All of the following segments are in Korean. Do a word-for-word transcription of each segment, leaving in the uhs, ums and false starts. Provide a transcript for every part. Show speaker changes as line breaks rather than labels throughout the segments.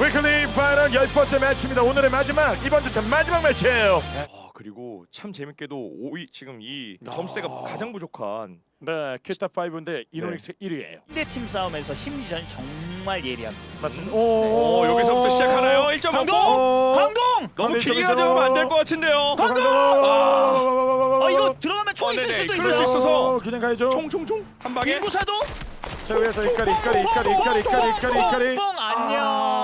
위클리 파이널 열 번째 매치입니다. 오늘의 마지막, 이번 주차 마지막 매치예요.
아, 그리고 참 재밌게도 오 위 지금 이
아.
점수대가 가장 부족한
네, 큐타 파이브인데 이노닉스 일 위예요.
상대팀 싸움에서 심리전이 정말 예리합니다.
맞습니다.
오, 오 여기서부터 시작하나요? 일 점
광동!
어.
광동!
너무
광동
길게
이쪽이죠.
가져가면 안 될 것 같은데요.
광동!
아,
어 이거 들어가면 총
어,
있을
네네,
수도
그럴 수
있어요.
있어서.
그냥 가야죠.
총총총 한 방에.
인구사도
자, 위에서 이까리 이까리 이까리 이까리 이까리 이까리 이까리.
뽕 안녕.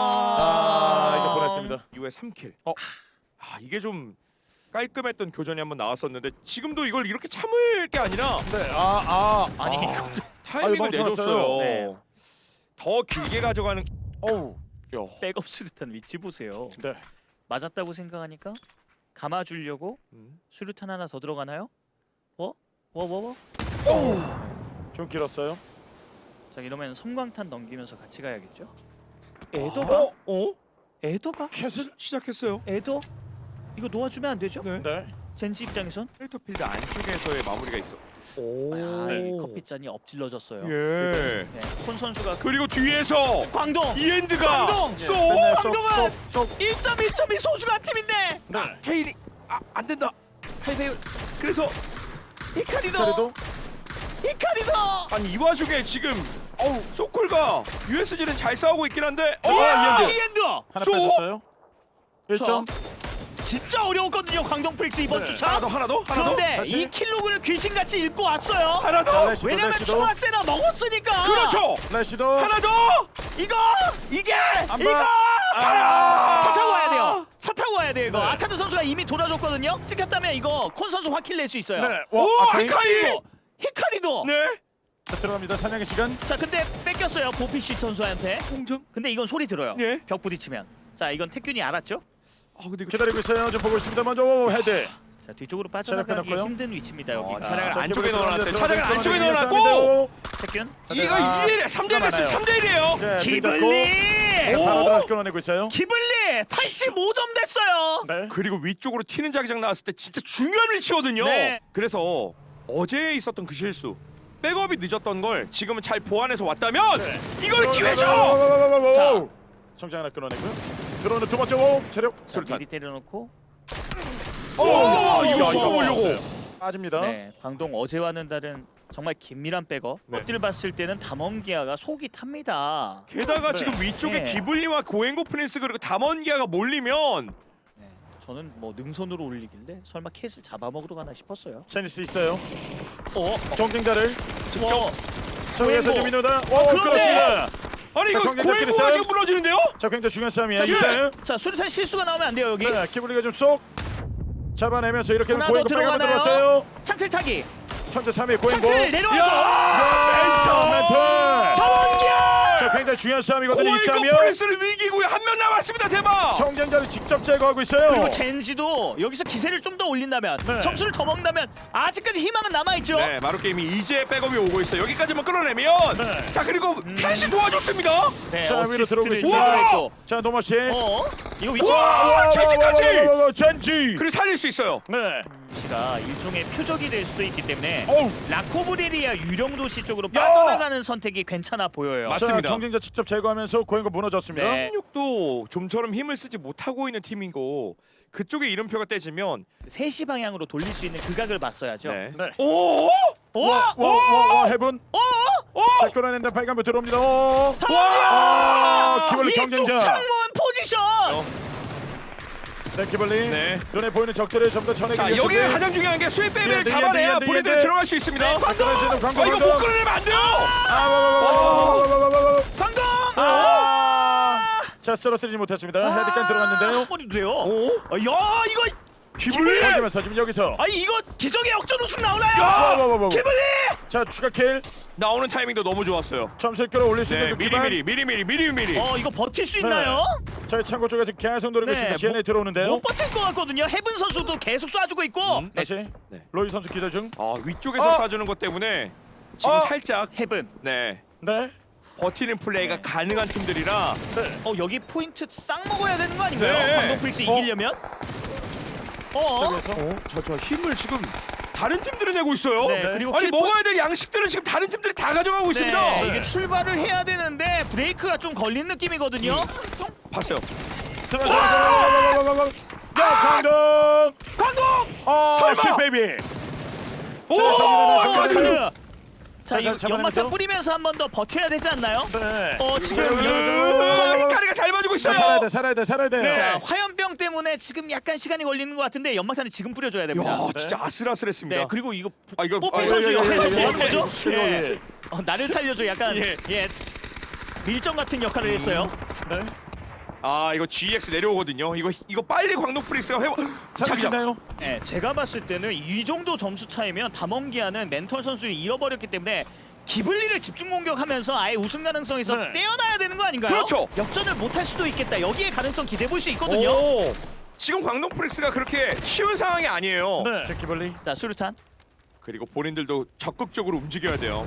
아, 이거 보냈습니다.
이후에 삼 킬.
어.
아, 이게 좀 깔끔했던 교전이 한번 나왔었는데 지금도 이걸 이렇게 참을 게 아니라
네, 아, 아,
아니,
아.
타이밍을
아유, 멈춰놨어요.
내줬어요.
네.
더 길게 가져가는.
어우, 야,
백업 수류탄 위치 보세요.
네,
맞았다고 생각하니까 감아주려고
음.
수류탄 하나 더 들어가나요? 어? 워워워?
어우, 좀 길었어요.
자 이러면 섬광탄 넘기면서 같이 가야겠죠?
아.
에더가?
어? 어?
에더가?
캣을,
시작했어요.
에더? 이거 놓아주면 안 되죠?
네.
네,
젠지 입장에선?
크레이터필드 안쪽에서의 마무리가 있어. 오.
아, 이 커피잔이 엎질러졌어요.
예.
네, 콘 선수가
그리고 뒤에서
광동!
이엔드가
광동!
쏘.
맨날 쏙,
광동은!
쏙, 쏙.
일 점 일 점이 소중한 팀인데!
네,
케일이 아안 된다. 팔배율. 그래서
히카리도!
그래도
히카리도!
아니 이 와중에 지금 어우 소콜과 유에스지는 잘 싸우고 있긴 한데 어
와!
이엔드.
이엔드!
하나
쏘!
뺐었어요. 일 점.
진짜 어려웠거든요 광동 프릭스 이번
네.
주차.
하나 더 하나 더 하나 더.
그런데
다시.
이 킬로그를 귀신같이 읽고 왔어요.
하나 더.
레시도,
왜냐면
레시도.
충화세나 먹었으니까.
그렇죠.
레시도.
하나 더.
이거 이게
한
이거
번.
아!
차 타고 와야 돼요. 차 타고 와야 돼요 이거.
네.
아카드 선수가 이미 돌아줬거든요. 찍혔다면 이거 콘 선수 확킬 낼 수 있어요.
네,
오
아카이.
히카이.
그리고 히카리도.
네.
자, 들어갑니다. 사냥의 시간.
자 근데 뺏겼어요 보피시 선수한테.
공정.
근데 이건 소리 들어요.
네.
벽 부딪히면. 자 이건 태균이 알았죠?
아 근데 이거
기다리고 있어요. 좀 보고 있습니다. 먼저 오, 헤드.
자 뒤쪽으로 빠져나가기
끊었고요.
힘든 위치입니다
어,
여기가.
차량을
자,
안쪽에
기블리
넣어놨어요.
들어가는데
차량을 안쪽에
들어가는데
넣어놨고
태균.
이거
아,
이 대 일 삼 대 일 됐어요. 삼 대 일이에요.
네,
기블리.
오! 바로 들어 끊어내고 있어요.
기블리 팔십오 점 됐어요.
네.
그리고 위쪽으로 튀는 자기장 나왔을 때 진짜 중요한 위치거든요.
네.
그래서 어제 있었던 그 실수, 백업이 늦었던 걸 지금은 잘 보완해서 왔다면
네.
이걸 기회죠.
자, 성장 하나 끊어내고요. 들어오는 두 번째 오 체력.
자,
수류탄.
미리 때려놓고.
오,
야,
이거
이거
쏘보려고.
빠집니다.
네, 광동 어제와는 다른 정말 긴밀한 백업.
네.
엎들 봤을 때는 담원기아가 속이 탑니다.
게다가
네.
지금 위쪽에
네.
기블리와 고행고 프린스 그리고 담원기아가 몰리면
네, 저는 뭐 능선으로 올리길래 설마 캣을 잡아먹으러 가나 싶었어요.
제니스 있어요.
어,
경쟁자를
어,
정에서
고행고.
좀 이노다. 오,
어, 그런데!
그렇습니다.
아니
자,
이거
경쟁자끼리
고행고가
싸움.
지금 무너지는데요?
자, 굉장히 중요한 싸움이에요.
자,
이사요.
자, 수류탄 실수가 나오면 안 돼요 여기.
네, 키블리가 좀 쏙 잡아내면서 이렇게
하나
고행고
더
빨간
들어가나요?
들어왔어요.
창틀 타기.
현재 삼 위 고행고.
창틀 내려와서.
야, 멘트.
담원기아.
자, 굉장히 중요한 싸움이거든요. 이
고행고
싸움이요.
프린스를 위기고요. 한 명 남았습니다. 대박.
경쟁자를 직접 제거하고 있어요.
그리고 젠지도 여기서 기세를 좀 더 올린다면
네.
점수를 더 먹는다면 아직까지 희망은 남아있죠.
네, 마루 게임이 이제 백업이 오고 있어요. 여기까지만 끌어내면
네.
자 그리고 캣이 도와줬습니다.
네,
자, 위로 들어오고
어시스트를
있어요.
제거했고.
자, 노마 씨.
어? 이거 위치.
와, 젠지까지.
젠지.
그리고 살릴 수 있어요.
네.
가 일종의 표적이 될 수도 있기 때문에
어우.
라코브레리아 유령 도시 쪽으로 빠져나가는 선택이 괜찮아 보여요.
맞-
자,
맞습니다.
경쟁자 직접 제거하면서 고행고 무너졌습니다.
네.
삼십육도 좀처럼 힘을 쓰지 못하고 있는 팀이고 그쪽에 이름표가 떼지면
세 시 방향으로 돌릴 수 있는 극악을 봤어야죠.
네.
네.
오!
오!
와, 와, 와, 해분.
오!
오!
자, 끌어낸다. 빨간불 들어옵니다. 오.
와!
아, 기블리
이쪽
경쟁자.
창문 포지션.
어.
네, 기블리.
네.
눈에 보이는 적들을 좀 더 쳐내기
자,
위해서
여기
준비.
가장 중요한 게 수입
네,
빼면
네,
잡아내야
네, 네,
본인들이
네.
들어갈 수 있습니다.
자, 끌어내는 광고
아, 이거 못
먼저.
끌어내면 안 돼요.
아, 와, 와, 와, 와, 와, 와, 와, 와, 와.
광동!
아. 자, 쓰러뜨리지 못했습니다. 헤드까지 들어갔는데요.
한 번이 돼요.
오?
아, 야, 이거
기블리!
하면서 지금 여기서
아니 이거 기적의 역전 우승 나오나요?
와, 와, 와, 와.
기블리!
자, 추가 킬.
나오는 타이밍도 너무 좋았어요.
점수를 끌어올릴 수
네,
있는 그
미리
기반.
미리 미리 미리 미리 미리.
어, 이거 버틸 수
네.
있나요?
저희 창고 쪽에서 계속 노리고
네,
있습니다. 시엔에
못-
들어오는데요.
못 버틸 것 같거든요. 헤븐 선수도 계속 쏴주고 있고.
음.
다시
네.
로이 선수 기절 중.
아, 위쪽에서
어.
쏴주는 것 때문에 지금
어.
살짝
헤븐.
네.
네.
버티는 플레이가
네.
가능한 팀들이라
네.
어, 여기 포인트 싹 먹어야 되는 거 아닌가요?
네.
광동 프릭스
어.
이기려면? 어?
저기에서
저, 저 힘을 지금 다른 팀들이 내고 있어요.
네, 그리고
아니
킬포-
먹어야 될 양식들을 지금 다른 팀들이 다 가져가고 있습니다.
네, 이게 출발을 해야 되는데 브레이크가 좀 걸린 느낌이거든요.
음. 봤어요.
야, 강동!
광동!
어,
설마!
스 베이비.
오!
자,
카드!
카드. 자,
자,
이거
자,
연막탄
잡아내면서.
뿌리면서 한 번 더 버텨야 되지 않나요?
네.
어, 지금
으, 히카리가 잘 맞고
자,
있어요.
살아야 돼, 살아야 돼, 살아야 돼.
자, 화염병 때문에 지금 약간 시간이 걸리는 것 같은데 연막탄을 지금 뿌려줘야 됩니다.
야, 진짜 아슬아슬했습니다.
네, 그리고 이거
아, 이거
뽀삐
아,
선수
예, 예,
옆에서
예,
뭐
예,
하는
예,
거죠?
예,
예.
예.
어, 나를 살려줘 약간
예.
예. 밀정 같은 역할을 했어요.
네.
아, 이거 지엑스 내려오거든요. 이거 이거 빨리 광동 프리스가 회복.
잡히나요?
예, 제가 봤을 때는 이 정도 점수 차이면 담원기아는 멘털 선수를 잃어버렸기 때문에 기블리를 집중 공격하면서 아예 우승 가능성에서
네.
떼어놔야 되는 거 아닌가요?
그렇죠.
역전을 못할 수도 있겠다. 여기에 가능성 기대해 볼 수 있거든요.
오. 지금 광동 프리스가 그렇게 쉬운 상황이 아니에요.
네. 제키벌리.
자, 수류탄.
그리고 본인들도 적극적으로 움직여야 돼요.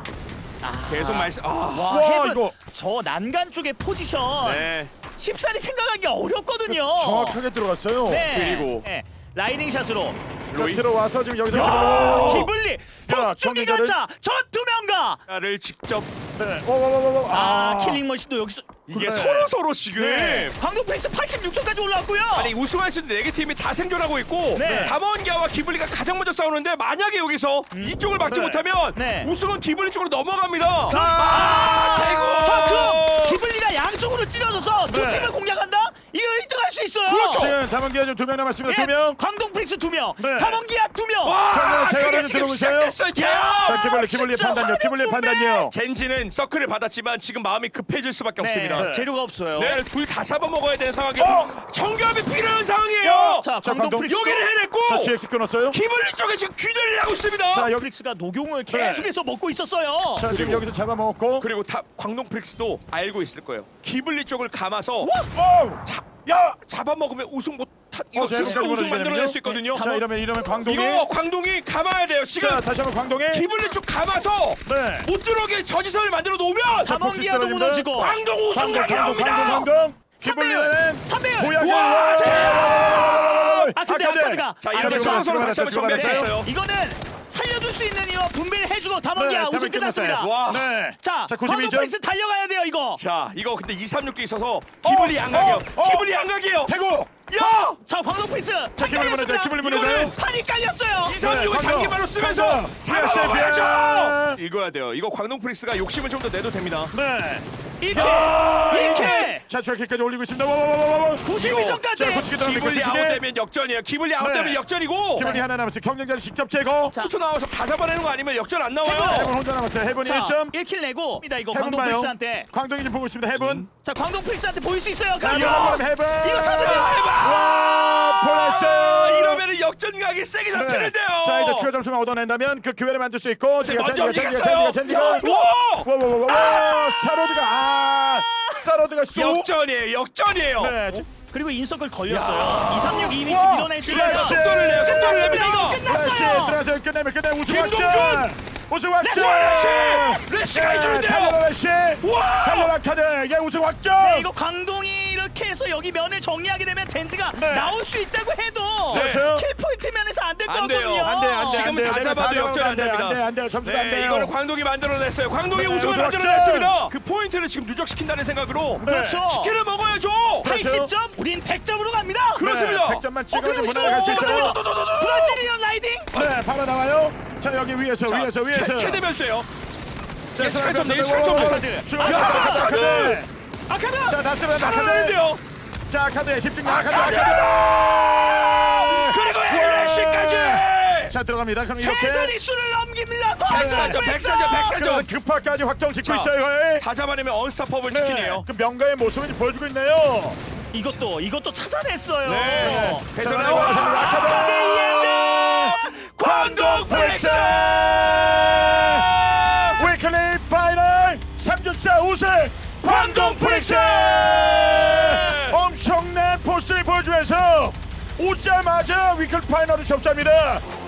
아,
계속 말씀. 아.
와,
와,
헤븐
이거.
저 난간 쪽의 포지션
네.
쉽사리 생각하기 어렵거든요.
정확하게 들어갔어요.
네.
그리고.
네. 라이딩 샷으로
자,
로이
들어와서 지금 여기서
야,
들어오고.
기블리
야,
폭주기
정리자를-
가차 저두 명가.
를 직접
네. 오, 오, 오, 오, 오.
아, 킬링 머신도 여기서
이게
그래.
서로 서로 지금
네. 광동 페이스 팔십육 초까지 올라왔고요.
아니 우승할 수 있는 네 개 팀이 다 생존하고 있고
네.
담원기아와 기블리가 가장 먼저 싸우는데 만약에 여기서 이쪽을 막지
네.
못하면
네.
우승은 기블리 쪽으로 넘어갑니다.
자,
아, 대구!
자, 그럼 기블리가 양쪽으로 찔러줘서 두
네.
팀을 공략한다? 이거 일 등 할 수 있어요.
그렇죠.
지금 담원기아 지금 두 명 남았습니다.
예,
두 명.
광동 프릭스 두 명,
네.
담원기아 두 명.
와,
자, 제가
그게
먼저
지금
들어오세요.
시작됐어요. 제요.
자, 기블리, 기블리의
진짜
판단력, 기블리의
화력
판단력.
젠지는 서클을 받았지만 지금 마음이 급해질 수밖에 없습니다.
네, 재료가 없어요.
네, 둘 다 잡아먹어야 되는 상황이고
어!
정교함이 필요한 상황이에요.
자,
자,
광동
광동.
프릭스
여기를 해냈고
자, 지엑스 끊었어요.
기블리 쪽에 지금 균열이 나고 있습니다.
자, 여기.
프릭스가 노경을 계속해서 먹고 있었어요.
자, 지금
그리고-
여기서 잡아먹었고.
그리고 다 광동 프릭스도 알고 있을 거예요. 기블리 쪽을 감아서
오!
잡,
야!
잡아먹으면 우승 못 타, 이거
어, 제가
스스로
여기까지
우승 만들어낼 수
보내주면요.
있거든요.
자, 이러면 이러면 광동이.
이거 광동이 감아야 돼요. 지금
자, 다시 한번 광동이.
기블리 쪽 감아서
네.
못 들어오게 저지선을 만들어 놓으면
담원기아도
복수
무너지고.
광동 우승
광동, 광동,
가능합니다.
광동, 광동.
삼 배율,
기블리는
삼 배율.
고양이.
와,
아, 근데 아카드가
자,
아,
이렇게
들어가다,
서로 서로 다시 한번
들어가다,
정비할 수
들어가다.
있어요.
이거는 살려줄 수 있는 이거 분배를 해주고
네,
담원기아 우승 끝났습니다.
와.
네.
자,
자,
광동
구십이 점.
프릭스 달려가야 돼요 이거.
자, 이거 근데 이삼육도 있어서 기블리
어,
양각이에요.
어, 어.
기블리 양각이에요.
태국.
야!
자, 광동 프릭스
자, 기블리 보내줘요. 기블리 보내줘요.
이거는
판이 깔렸어요.
이삼육을
네,
장기발로
광동.
쓰면서
광동.
잡아먹어야죠. 읽어야 돼요. 이거 광동 프릭스가 욕심을 좀 더 내도 됩니다.
네.
일
야,
킬, 일 킬,
자, 저기까지 올리고 있습니다. 와, 와, 와, 와, 와.
구십이 점까지.
자, 고치기 들어갑니다.
기블리
고치기.
아웃되면 역전이에요. 기블리 아웃되면
네.
역전이고.
기블리 하나 남았어요. 경쟁자를 직접 제거.
자,
포트 나와서 다 잡아내는 거 아니면 역전 안 나와요.
해본 혼자 남았어요. 해본이 일
자,
점.
일 킬 내고 입니다 이거
해본
광동
봐요.
프릭스한테.
광동이 지금 보고 있습니다. 해본.
자, 광동 프릭스한테 보일 수 있어요.
자,
가죠.
이거 해본.
이거 터지면
와, 보냈어.
아, 이러면은 역전각이 세게 잡히는데요.
자, 이제 추가 점수만 얻어낸다면 그 기회를 만들 수 있고. 제가
먼저
젠지가
이겼어요.
젠지가 젠지가.
와!
와, 와, 와, 와. 사로드가 아, 사로드가 쏘.
역전이에요. 역전이에요.
네. 지-
그리고 인석을 걸렸어요. 이삼육 이미
와,
밀어낼 수
그래서
있어요.
속도를 내요. 속도를
끝났습니다. 이거
냅니다.
플래시
끝났어요.
들어가서 끝내면 끝내 우승
김동준!
확정. 우승 확정.
레시! 레시가 해주는데요.
달려라 레시.
와!
달려라 카드. 예, 우승 확정.
네, 이거 광동이 이렇게 해서 여기 면을 정리하게 되면 젠지가
네.
나올 수 있다고 해도
네.
그렇죠.
킬 포인트 면에서 안 될
안 돼요.
거거든요.
안 돼, 안 돼.
지금은
안 돼,
다
안 돼,
잡아도
안 돼,
역전 안
안 돼,
됩니다.
안 돼, 안 돼. 점수가 안
네,
돼요.
이거는 광동이 만들어냈어요. 광동이
네,
우승을
우승 확정!
만들어냈습니다. 그 포인트를 지금 누적시킨다는 생각으로
네.
그렇죠.
치킨을 먹어야죠.
팔십 점, 우린 백 점으로 갑니다.
그렇습니다.
백 점만
어,
찍어서
그리고
무난하게 갈 수
이거
있어요.
브라질리언 라이딩.
네, 바로 나와요. 자, 여기 위에서
자,
위에서 위에서.
최- 최대면수예요.
자,
예측할 수 없네,
자,
예측할 수
자,
없네.
카드.
자,
아,
자,
카드!
카드.
아카드.
자, 다스면 카드.
살아나는데요.
자, 카드에 집중. 아, 카드.
카드!
카드.
그리고 엘에스까지.
자, 들어갑니다. 그럼
세
이렇게
자릿수를 넘깁니다.
백사점, 백사점,
그래서
백사점.
급파까지 확정 짓고
자,
있어요. 거의.
다 잡아내면 언스타퍼블 치킨이에요.
그 명가의 모습을 이제 보여주고 있네요.
이것도 이것도 찾아냈어요.
네.
자,
대전에
나와,
와.
아카드.
광동 프릭스.
위클리 파이널 삼 주차 우승 광동 프릭스. 엄청난 포스를 보여주면서 오자마자 위클 파이널을 접수합니다.